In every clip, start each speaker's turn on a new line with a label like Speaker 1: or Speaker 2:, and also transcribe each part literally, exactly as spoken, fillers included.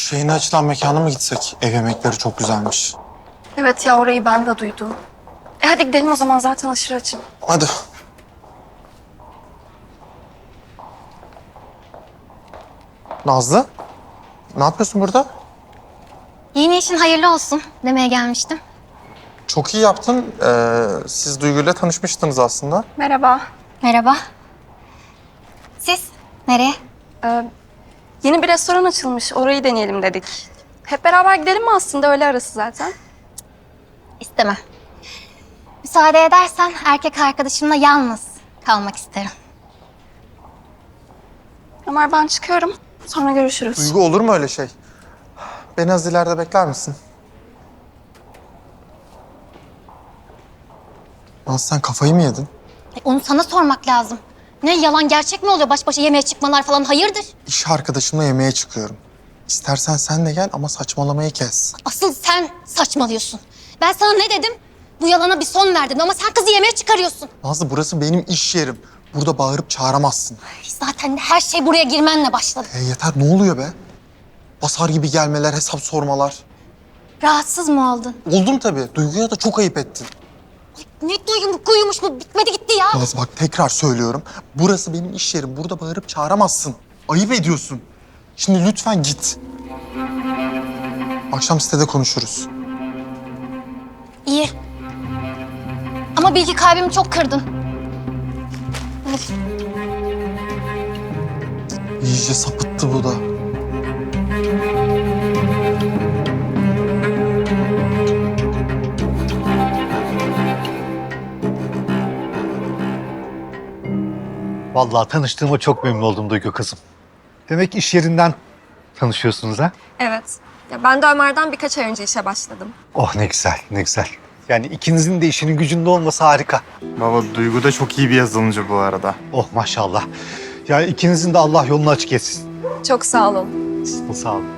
Speaker 1: Şu yeni açılan mekana mı gitsek? Ev yemekleri çok güzelmiş.
Speaker 2: Evet ya, orayı ben de duydum. E hadi gidelim o zaman, zaten aşırı açım.
Speaker 1: Hadi. Nazlı, ne yapıyorsun burada?
Speaker 3: Yeni işin hayırlı olsun demeye gelmiştim.
Speaker 1: Çok iyi yaptın. Ee, siz Duygu'yla tanışmıştınız aslında.
Speaker 2: Merhaba.
Speaker 3: Merhaba. Siz nereye?
Speaker 2: Ee, yeni bir restoran açılmış, orayı deneyelim dedik. Hep beraber gidelim mi aslında, öyle arası zaten.
Speaker 3: İstemem. Müsaade edersen erkek arkadaşımla yalnız kalmak isterim.
Speaker 2: Ömer, ben çıkıyorum. Sonra görüşürüz.
Speaker 1: Duygu, olur mu öyle şey? Beni az ileride bekler misin? Nazlı, sen kafayı mı yedin?
Speaker 3: E, onu sana sormak lazım. Ne, yalan gerçek mi oluyor? Baş başa yemeğe çıkmalar falan, hayırdır?
Speaker 1: İş arkadaşımla yemeğe çıkıyorum. İstersen sen de gel ama saçmalamayı kes.
Speaker 3: Asıl sen saçmalıyorsun. Ben sana ne dedim? Bu yalana bir son verdin ama sen kızı yemeğe çıkarıyorsun.
Speaker 1: Nazlı, burası benim iş yerim. Burada bağırıp çağıramazsın.
Speaker 3: Zaten her şey buraya girmenle başladı.
Speaker 1: E yeter, ne oluyor be? Basar gibi gelmeler, hesap sormalar.
Speaker 3: Rahatsız mı oldun?
Speaker 1: Oldum tabii. Duygu'ya da çok ayıp ettin.
Speaker 3: Ne duyum kuyumuş bu, bitmedi gitti ya.
Speaker 1: Nazlı bak, tekrar söylüyorum. Burası benim iş yerim. Burada bağırıp çağıramazsın. Ayıp ediyorsun. Şimdi lütfen git. Akşam sitede konuşuruz.
Speaker 3: İyi. Ama bilgi kalbimi çok kırdın.
Speaker 1: İyice sapıttı bu da.
Speaker 4: Vallahi tanıştığıma çok memnun oldum Duygu kızım. Demek iş yerinden tanışıyorsunuz ha?
Speaker 2: Evet. Ya ben de Ömer'den birkaç ay önce işe başladım.
Speaker 4: Oh ne güzel, ne güzel. Yani ikinizin de işinin gücünde olması harika.
Speaker 1: Baba, Duygu da çok iyi bir yazılımcı bu arada.
Speaker 4: Oh maşallah. Yani ikinizin de Allah yolunu açık etsin.
Speaker 2: Çok sağ olun.
Speaker 4: Sağ olun.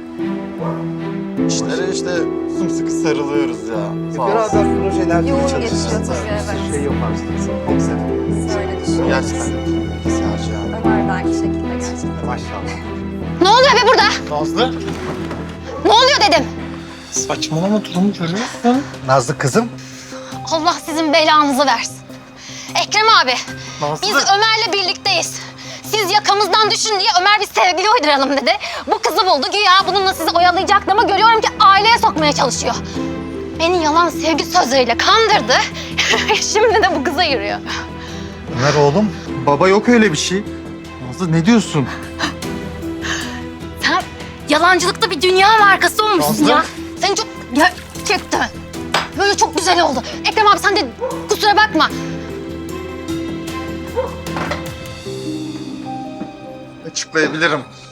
Speaker 1: İşlere işte sımsıkı sarılıyoruz ya. Sağ ol.
Speaker 4: Beraber projelerde
Speaker 2: Yoğun
Speaker 4: çalışacağız.
Speaker 2: geçiyor tabii, evet.
Speaker 4: Şey yaparsınız. Çok güzel.
Speaker 2: Öyle düşünüyorum.
Speaker 1: Gerçekten bilgisayarcı yani.
Speaker 2: Ömer de aynı şekilde gerçekten.
Speaker 4: Maşallah.
Speaker 3: Ne oluyor be burada?
Speaker 1: Nazlı,
Speaker 3: Ne oluyor dedim.
Speaker 1: saçmalama, durumu görüyorsun.
Speaker 4: Nazlı kızım.
Speaker 3: Allah sizin belanızı versin. Ekrem abi,
Speaker 1: Nazlı.
Speaker 3: biz Ömer'le birlikteyiz. Siz yakamızdan düşün diye Ömer bir sevgili uyduralım dedi. Bu kızı buldu, güya bununla sizi oyalayacaktı ama görüyorum ki aileye sokmaya çalışıyor. Beni yalan sevgi sözleriyle kandırdı. Şimdi de bu kıza yürüyor.
Speaker 4: Ömer oğlum.
Speaker 1: Baba, yok öyle bir şey. Nazlı, ne diyorsun?
Speaker 3: Sen yalancılıkta bir dünya markası olmuşsun
Speaker 1: Nazlı.
Speaker 3: ya. Sen çok gerçekten. Böyle çok güzel oldu. Ekrem abi sen de kusura bakma.
Speaker 1: Açıklayabilirim.